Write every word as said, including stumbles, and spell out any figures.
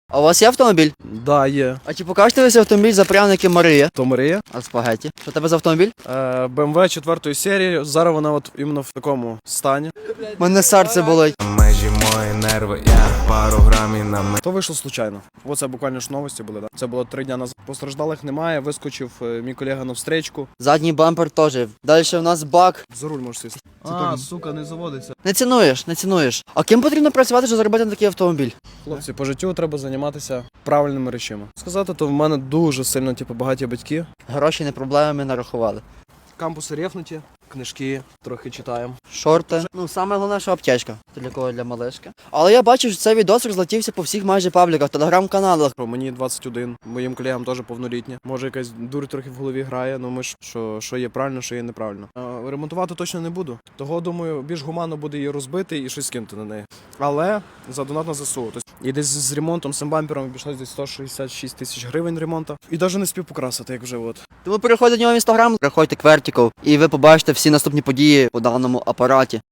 А у вас є автомобіль? Да, є. А чи покажете ви цей автомобіль за пряники Марія? То Марія. А спагеті? Що у тебе за автомобіль? Е, Б М В четвертої серії. Зараз вона от іменно в такому стані. Мене серце болить. Межі мої нерви, я пару грамів на мене. То вийшло случайно. Оце буквально ж новості були, да? Це було три дня назад. Постраждалих немає, вискочив е, мій колега навстречку. Задній бампер теж. Далі в нас бак. За руль можеш сісти. А, сука, не заводиться. Не цінуєш, не цінуєш. А ким потрібно працювати, щоб заробити на такий автомобіль? Хлопці, по життю треба займатися правильними речами. Сказати, то в мене дуже сильно типу, багаті батьки. Гроші не проблеми, ми нарахували. Кампуси рефнуті, книжки трохи читаємо. Шорти. Ну, саме головне, що аптечка. Це для кого? Для малишки. Але я бачив, що цей відос розлетівся по всіх майже пабліках, телеграм-каналах. Мені двадцять один, моїм колегам теж повнолітні. Може якась дур трохи в голові грає, але ми ж що, що є правильно, що є неправильно. А, ремонтувати точно не буду. Того, думаю, більш гуманно буде її розбити і щось кинути на неї. Але за донат на З С У. Тобто, і десь з ремонтом, з цим бампером обійшлось десь сто шістдесят шість тисяч гривень ремонту. І навіть не спів покрасити, як вже от. Тому переходьте до нього в інстаграм, переходьте Квертіков, і ви побачите всі наступні події по даному апараті.